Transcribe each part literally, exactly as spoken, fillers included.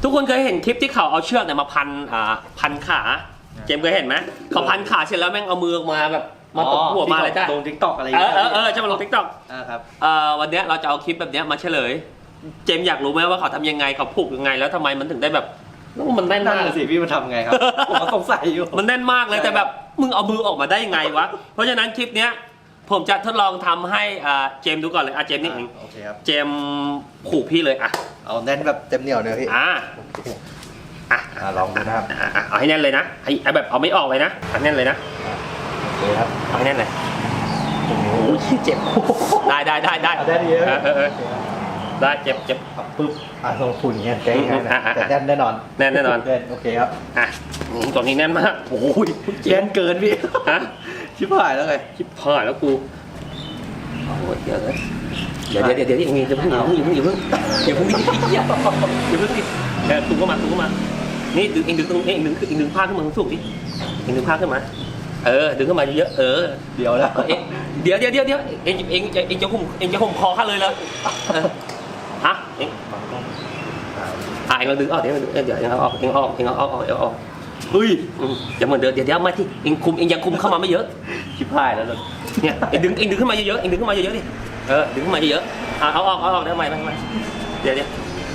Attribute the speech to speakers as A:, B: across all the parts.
A: ทุกคนเคยเห็นคลิปที่เขาเอาเชือกเนี่ยมาพันอ่าพันขาเจมเคยเห็นไหมเขาพันขาเสร็จแล้วแม่งเอามือมาแบบมาตบหัวมาอะไรได้
B: ลงทิกตอกอะไร
A: เออเออเออจะมาลงทิกตอก
B: อ่าครับ
A: เอ่อวันนี้เราจะเอาคลิปแบบนี้มาเฉลยเจมอยากรู้ไหมว่าเขาทำยังไงเขาผูกยังไงแล้วทำไมมันถึงได้แบบมันแน่นมาก
B: สิพี่มันทำไงครับผมก็สงสัยอยู่
A: มันแน่นมากเลยแต่แบบมึงเอามือออกมาได้ยังไงวะเพราะฉะนั้นคลิปเนี้ยผมจะทดลองทำให้อ่าเจมดูก่อนเลยอ่ะเจมนี่เอง
B: โอเคครับ
A: เจมผูกพี่เลยอ่ะ
B: เอาแน่นแบบเต็มเหนียวเลยพี่
A: อ่าอ่ะ
B: ลองดูนะครับ
A: เอาให้แน่นเลยนะไอ้แบบเอาไม่ออกเลยนะเอาแน่นเลยนะ
B: โอเคครับ
A: เอาให้แน่นเลยโอ้ยเจ็บได้ได้ได้ได้
B: ได้ดีเลย
A: เออได้เจ็บเจ็บ
B: ปึ๊บอ่ะลงทุนเงี้ยแก้ง่ายนะแต่แน่นแน่นอน
A: แน่นแน่นอน
B: โอเคครับ
A: อ่ะตัวนี้แน่นมากโอ้ย
B: แน่นเกินพี่
A: ฮะ
B: ชิบหายแล้วไง
A: ชิบหายแล้วกูโอ้ยเดี๋ยวเลยเดี๋ยวเดี๋ยวเดี๋ยวเดี๋ยวอย่าเพิ่งอย่าเพิ่งอย่าเพิ่งอย่าเพิ่งอย่าเพิ่งดิอย่าเพิ่งดิเดี๋ยวตุ้งก็มาตุ้งก็มานี่ดึงเองดึงตรงนี้เองดึงเองดึงผ้าขึ้นมาสูงดิเองดึงผ้าขึ้นมาเออดึงขึ้นมาเยอะเออ
B: เดี๋ยวแล้ว
A: เองเดี๋ยวเดี๋ยวเดี๋ยวเดี๋ยวเองเองเองจะห่มเองจะห่มคอข้าเลยเลยฮะเองอ่ะเองเราดึงออกเดี๋ยวเดี๋ยวเองเอาออกเองออกเองเอาออกเองเอาออกเฮ้ยอย่าเหมือนเดิมเดี๋ยวเดี๋ยวมาที่เองคุมเองยังคุมเข้ามาไม่เยอะ
B: ชิบหายแล้ว
A: เนี่ยเองดึงเองดึงขึ้นมาเยอะๆเองดึงขึ้นมาเยอะๆดิเออดึงขึ้นมาเยอะๆเอาออกเอาออกได้ไหมไม่ไม่เดี๋ยวเดี๋ยว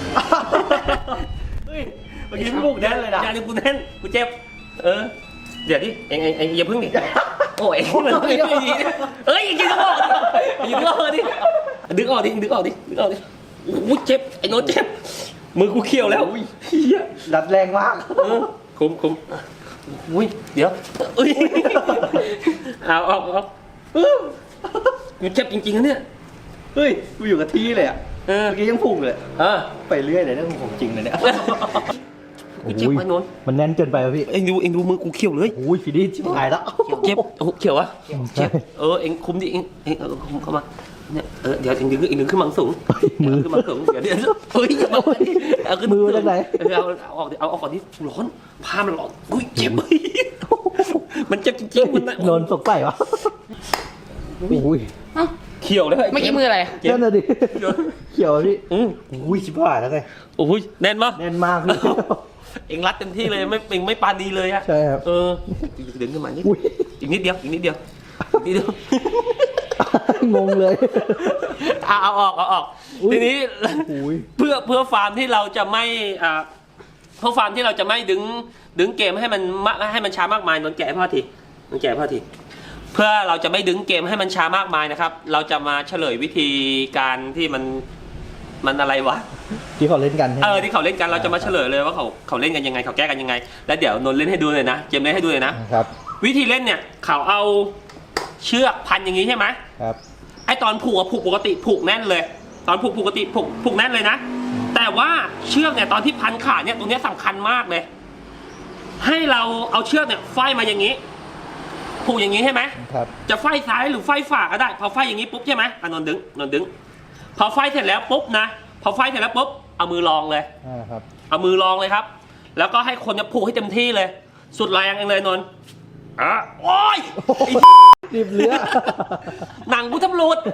B: เฮ้ยเมื่อกี้ลูกแน่นเลยนะ
A: อย่าดึงกูแน่นกูเจ็บเออเดี๋ยวดิเองเองเองอย่าพึ่งดิโอ้ยมันไม่ดีเอ้ยยิงออกยิงออกดิดึงออกดิดึงออกดิดึงออกดิโอ้ยเจ็บไอ้โน้ตเจ็บมือกูเขียวแล้ว
B: ดัดแรงมาก
A: คุ้มคุ้มอุ้ยเดี๋ยวเอ้ยเอาออกออกกูเจ็บจริงๆนะเนี่ย
B: เฮ้ยกูอยู่กับที่เลยอ่ะเมื่อกี้ยังพุ่งเลย
A: เออ
B: ไปเรื่อยเลยนะของจริงเลยเนี่ย
A: กูเจ็บไหมโน้น
B: มันแน่นเกินไปพี่
A: เอ็งดูเอ็งดูมือกูเขียวเลย
B: โอ้ยฟีดี้ชิบหายแล้ว
A: เจ็บโอ้เขียววะเจ็บเออเอ็งคุมดิเอ็งเอ็งคุมเข้ามาเนี่ยเออเดี๋ยวเอ็งดึงเอ็งดึงขึ้นมาสูงมือขึ้นมาสูงเดี๋ยวเดี๋ยวเฮ้ยเอาขึ้น
B: มือจากไหน
A: เอาเอาออกเอาออกก่อนที่ร้อนผ้ามันร้อนอุ้ยเจ็บมันเจ็บจริงๆมัน
B: โดนสกใส่วะอุ้ย
A: เขียวเลย
C: ไม่กี่มืออะไร
B: นั่นน่ะดิเขียวพี่อุ้ยชิบหายแล้วไง
A: โอ้ยแน่นมาก
B: แน่นมากเลย
A: เอ็งรัดเต็มที่เลยไม่เอ็งไม่ปานีเลยอะ
B: ใช่ครับ
A: เออดึงขึ้นมานิดอีกนิดเดียวอีกนิดเดียวนิดเดียว
B: งงเลย
A: เอาเอาออกเอาออกทีนี้เพื่อเพื่อฟาร์มที่เราจะไม่อ่าเพื่อฟาร์มที่เราจะไม่ดึงดึงเกมให้มันให้มันช้ามากมายนนแกะพ่อทีนนแกะพ่อทีเพื่อเราจะไม่ดึงเกมให้มันช้ามากมายนะครับเราจะมาเฉลยวิธีการที่มันมันอะไรวะ
B: ที่เขาเล่นกัน
A: เออที่เขาเล่นกันเราจะมาเฉลยเลยว่าเขาเขาเล่นกันยังไงเขาแก้กันยังไงแล้วเดี๋ยวนนเล่นให้ดูเลยนะเจมเล่นให้ดูเลยนะครับวิธีเล่นเนี่ยเขาเอาเชือกพันอย่างนี้ใช่ไหม
B: ครับ
A: ไอตอนผูกผูกปกติผูกแน่นเลย ตอนผูกปกติผูกผูกแน่นเลยนะแต่ว่าเชือกเนี่ยตอนที่พันขาเนี่ยตรงนี้สำคัญมากเลยให้เราเอาเชือกเนี่ยไฟมาอย่างนี้ผูกอย่างนี้ใช่ไหม
B: ครับ
A: จะไฟซ้ายหรือไฟฝาก็ได้พอไฟอย่างนี้ปุ๊บใช่ไหมนนดึงนนดึงพอไฟเสร็จแล้วปุ๊บนะพอไฟเสร็จแล้วปุ๊บเอามือรองเลย
B: ครับ
A: เอามือรองเลยครับแล้วก็ให้คนจะผูกให้เต็มที่เลยสุดแรงเองเลยนนอ่ะโอ้ย
B: รีบเลือ
A: หนังกูทำรูด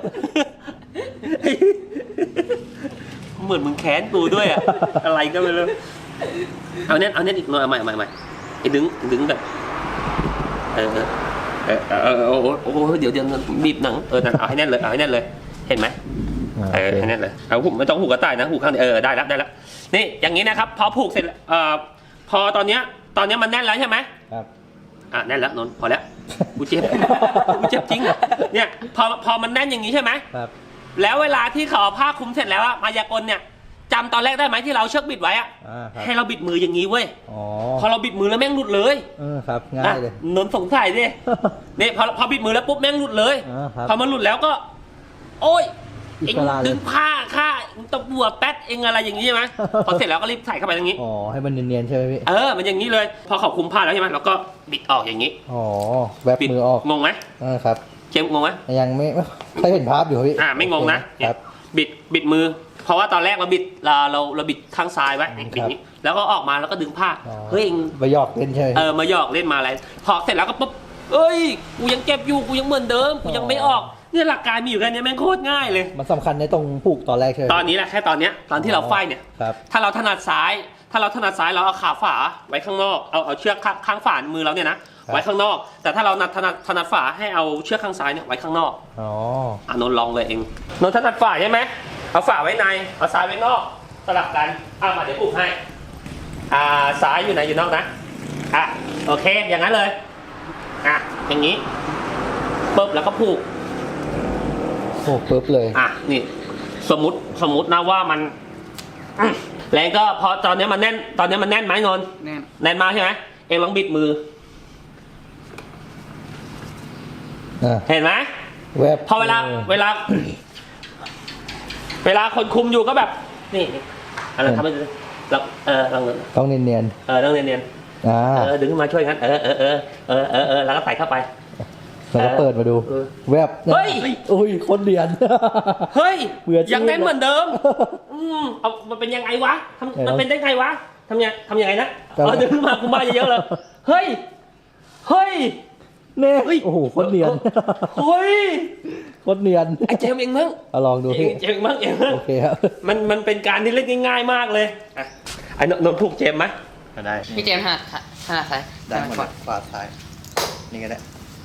A: เหมือนมึงแค้นกูด้วยอะอะไรก็ไม่รู้เอาเน้นเอาเน้นอีกหน่อยใหม่ใหม่ใหม่ไอ้ดึงดึงแบบเออเออเออโอ้โหโอ้โหเดี๋ยวเดี๋ยวบีบหนังเออเอาให้แน่นเลยเอาให้แน่นเลยเห็นไหมเออให้แน่นเลยเอาหูไม่ต้องหูกระต่ายนะหูข้างเออได้แล้วได้แล้วนี่อย่างนี้นะครับพอผูกเสร็จเอ่อพอตอนเนี้ยตอนเนี้ยมันแน่นแล้วใช่ไหม
B: ครับ
A: อ่ะแน่นแล้วนนพอแล้วกูเจ็บกูเจ็บจริงเนี่ยพอพอมันแน่นอย่างนี้ใช่ไหม
B: ครับ
A: แล้วเวลาที่เขาผ้าคลุมเสร็จแล้วอะมายากลเนี่ยจำตอนแรกได้ไหมที่เราเชือกบิดไว้อะให้เราบิดมืออย่างนี้เว้ยพอเราบิดมือแล้วแม่งหลุดเลย
B: เออครับง่ายเลย
A: นนสงสัยดิเนี่ยพอพอบิดมือแล้วปุ๊บแม่งหลุดเลยพอมันหลุดแล้วก็โอ้ยเอ็งดึงผ้าค่าตะบัวแป๊ดเอ็งอะไรอย่างนี้ใช่ไหมพอเสร็จแล้วก็รีบใส่เข้าไปอย่างนี้
B: อ๋อให้มันเนียนๆใช่ไหมพี่
A: เออมันอย่างนี้เลยพอเขาคุมผ้าแล้วใช่ไหมเราก็บิดออกอย่างนี้
B: อ๋อแบบมือออก
A: งงไหม
B: เออครับ
A: เจมงงไหม
B: ยังไม่ไม่เห็นภาพอยู่พี่
A: อ่าไม่งงนะครับบิดบิดมือเพราะว่าตอนแรกเราบิดเราเราเราบิดข้างซ้ายไว้บิดนี้แล้วก็ออกมาแล้วก็ดึงผ้าเฮ้ย
B: มาหยอกเล่นใช่ไหม
A: เออมาหยอกเล่นมาอะไรพอเสร็จแล้วก็ปุ๊บเอ้ยกูยังเก็บอยู่กูยังเหมือนเดิมกูยังไม่ออกเนี่ยหลักการมีอยู่แค่นี้แม่งโคตรง่ายเลย
B: มันสำคัญในตรงผูกตอนแรกใช่ไหม
A: ตอนนี้แหละแค่ตอนเนี้ยตอนที่เราไฟเนี่ยถ้าเราถนัดซ้ายถ้าเราถนัดซ้ายเราเอาขาฝาไว้ข้างนอกเอาเอาเชือกข้างข้างฝามือเราเนี่ยนะไว้ข้างนอก แต่ถ้าเราถนัดถนัดฝาให้เอาเชือกข้างซ้ายเนี่ยไว้ข้างนอก
B: อ๋อ
A: อ่ะนนท์ลองเลยเองนนท์ถนัดฝาใช่ไหมเอาฝาไว้ในเอาซ้ายไว้นอกสลับกันอ่ะมาเดี๋ยวปลุกให้อ่าซ้ายอยู่ไหนอยู่นอกนะอ่ะโอเคอย่างนั้นเลยอ่ะอย่างนี้ปุ๊บแล้วก็ผูก
B: โอ้ปึ๊บเลย
A: อ่ะนี่สมมติสมมตินะว่ามันอื้อแรงก็พอตอนนี้มันแน่นตอนนี้มันแน่นไหมนนท์
C: แน่น
A: แน่นมากใช่ไหมเองลองบิดมือ
B: อ่ะ
A: เห็นไหม
B: แวบ
A: พอเวลาเวลา เวลาคนคุมอยู่ก็แบบ นี่นี่อะไรทำให้ดูเราเออลอง
B: ต้องเนียน
A: เออต้องเนียน
B: ๆอ่า
A: ๆเออดึงขึ้นมาช่วยกันเออเออเออเออเออเออแล้วก็ใส่เข้าไป
B: แล้วก็เปิดมาดู
A: เออ
B: แวบ
A: เฮ้ย
B: อุ้ยคนเนียน
A: เฮ้ย
B: เบื่อจริง
A: ยังแน่นเหมือนเดิม อืมเอามันเป็นยังไงวะทำมันเป็นได้ไงวะทำยังทำยังไงนะ
B: จำ
A: เออดึงขึ้นมาคุมมาเยอะๆเลยเฮ้ยเฮ้ย
B: เน่โอ้โหคนเนียน
A: เฮ้ย
B: คนเนียน
A: ไอ้เจมส์เองมั้ง
B: เอาลองดู
A: เจ
B: พี่
A: มส์เจมส์มั้งเองมั้ง
B: โอเคครับ
A: มันมันเป็นการที่เล่นง่ายๆมากเลยอ่ะไอ้นนท์ผูกเจมส์ไหม
D: ได้
C: พี่เจมส์ถนัดถนัดซ้าย
D: ได้หมด
C: ถนั
D: เลยขวาซ้ายนี่ก็ได้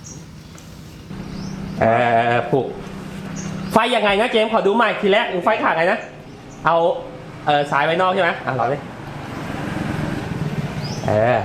A: เออผูกไฟยังไงนะเจมส์ขอดูใหม่ทีแรกไฟขาดไงนะเอาเออสายไว้นอกใช่ไหมอ่ะลองดิเออ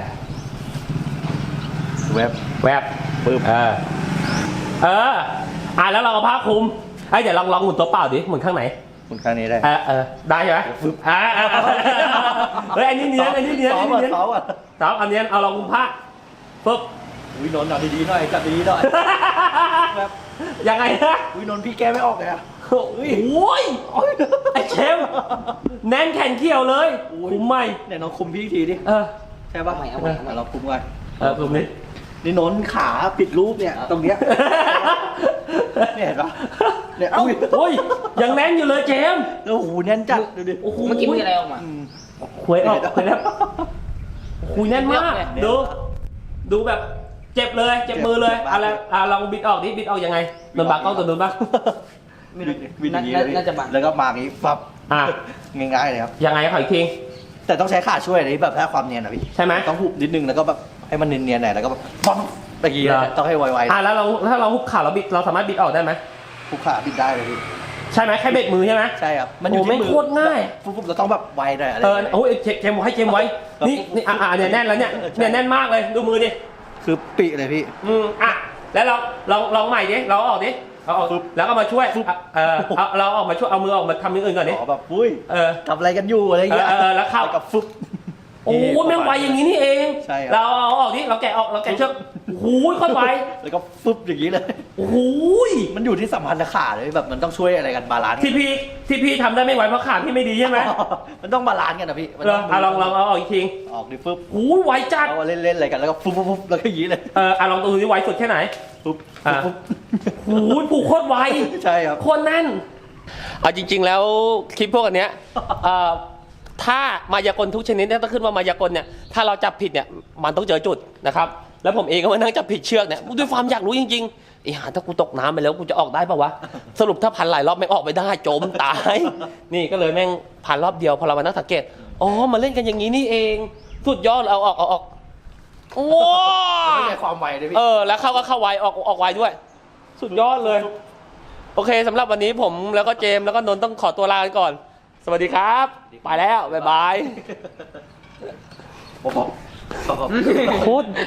D: เว็บ
A: แวบ
D: ปึ๊บ
A: เออเอออ่ะแล้วเราเอาผ้าคลุมไอ้ยเดี๋ยวลองลองหมุนตัวเปล่าดิหมุนข้างไหน
D: คุณข้างนี้ได้
A: เออเออได้ใช่ไหมอ่าอ่าอ่าเฮ้ยอันนี้เนียนอันนี้เนียน
D: ซ้อ
A: อัน
D: ม
A: นี้
D: อ่ะ
A: เนียน
D: ซ้อมอ่ะ
A: สาวอันเนียนเอาลองคุมผ้าปุ๊บ
D: อุ้ยนนท์เอาดีๆหน่อยจับดีๆหน่อย แบบ
A: ยังไงนะ
D: อุ้ยนนท์พี่แกไม่ออกเลยอ่ะ
A: โอ้ยไอ้เชมแน่นแขนเขี้ยวเลยคุมไม่
D: เนี่ยน้องคุมพี่อีกทีดิ
A: เออ
D: ใช่ป่ะ
C: เอาใหม่เอาใหม่เอาใหม่
D: เราคุมก่อน
A: เออคุมนี้
D: นี่นนท์ขาปิดรูปเนี่ยตรงเนี้ยเนี่ยเห็นปะเนี่ย
A: เอ้า
D: อุ้ย
A: โอ้ยยังแน่นอยู่เลยเจม
D: แล้วโอ้โหแน่นจัดดูดิ
A: โอ้โห
C: เมื่อกี้มีอะไรออกมา
D: อืม
A: หวยออกหวยแล้วคุยแน่นมาก
D: เนี่ย
A: ดู ดูแบบเจ็บเลย เจ็บมือเลย
D: เจ็บมาก
A: อะไรอ่ะลองบิดออกดิ บิดออกยังไงโดนบักกล้องตัวโดนบัก
D: วินวินอย่างนี้เลยพี่
C: น่าจะบัง
D: แล้วก็มาอย่างนี้ปั๊บ
A: อ่ะ
D: ง่ายๆเลยครับ
A: ยังไงขออีกที
D: แต่ต้องใช้ขาช่วยนะแบบถ้าความเนียนนะพี่
A: ใช่ไหม
D: ต้องหุบนิดนึงแล้วก็แบบให้มันเนียนๆหน่อยแล้วก็แบบปั๊บตะกี้
A: เหรอ
D: ต้องให้ไว
A: อ่ะแล้วเราถ้าเราหุบขาเราบิดเราสามารถบิดออกได้ไหม
D: ๆหุบขาบิดได้เลยพี่
A: ใช่ไหมแค่เบรกมือใช่ไหม
D: ใช่ครับมันอยู่
A: โอ้
D: ที่มื
A: ไม่โคตรง่าย
D: ปุ๊บๆเราต้องแบบไวหน่อยอะไร
A: เออ
D: อย่างเงี้ย
A: โอ้ยเจเจมไว้เจมไว้ นี่นี่อ่ะอ่ะเนี่ยแน่นแล้วเนี่ย
D: เออใช่
A: เนี่ยแน่นมากเลย ดูมือดิ
D: คือปีเลยพี่
A: อืมอ่ะ แล้วเราลองลองใหม่ดิ เราเอาออกดิเอาออก
D: ปุ๊บ
A: แล้วก็มาช่วยอ่ะเออเอาเราออกมาช่วย เอามือออกมาทำอย่างอื่นก่อนดิ
D: ขอแบบอุ้ย
A: เออ
D: ทำอะไรกันอยู่อะไรอย่างเงี้ย
A: เออเออแล้วเข้า
D: กับฟึบ
A: โอ้โหแม่งไวอย่างนี้นี่เอง
D: ใช่ครับ
A: เราเอาออกดิ เราแกะออก เราแกะเชือกโอ้โหโคตรไว
D: แล้วก็ฟึบอย่างนี้เลย
A: โอ้โห
D: มันอยู่ที่สัมพันธ์ขาเลยแบบมันต้องช่วยอะไรกันบาลานซ์
A: ที่พี่ที่พี่ทำได้ไม่ไหวเพราะขาพี่ไม่ดีใช่ไหม
D: มันต้องบาลานซ์กันนะพี่มัน
A: เหร
D: ต้
A: ออ่ะลองลองเอาออกอีกที
D: ออกดิฟึบ
A: โอ้โหไวจัด
D: เอามาเล่นๆอะไรกันแล้วก็ฟึบฟึบฟึบแล้วก็อย่างนี้เลย
A: เอออ่ะลองดูดิไวสุดแค่ไหน
D: ฟึบ
A: อ่ะ
D: ฟึบ
A: โอ้โหผูกโคตรไว
D: ใช่ครับ
A: โคตรแน่นเอาจริง ๆ แล้วคลิปพวกอันเนี้ยเอ่อถ้ามายากลทุกชนิดเนี่ยต้องขึ้นว่ามายากลเนี่ยถ้าเราจับผิดเนี่ยมันต้องเจอจุดนะครับแล้วผมเองก็มานั่งจับผิดเชือกเนี่ยด้วยความอยากรู้จริงๆไอ้ห่าถ้ากูตกน้ำไปแล้วกูจะออกได้ปะวะสรุปถ้าพันหลายรอบไม่งออกไม่ได้จมตาย นี่ก็เลยแม่งพันรอบเดียวพอเรามานั่งสังเกตอ๋อมาเล่นกันอย่างนี้นี่เองสุดยอดเอาออกเอาออกว้า
D: ไม่ใช่ความไวเลยพี่
A: เออแล้วเข้าก็เข้าไวออกออกไวด้วย สุดยอดเลย โอเคสำหรับวันนี้ผมแล้วก็เจมส์แล้วก็นนท์ต้องขอตัวลากันก่อน สวัสดีครับ ไปแล้ว บ๊ายบาย
D: ผมบอก
A: โคตร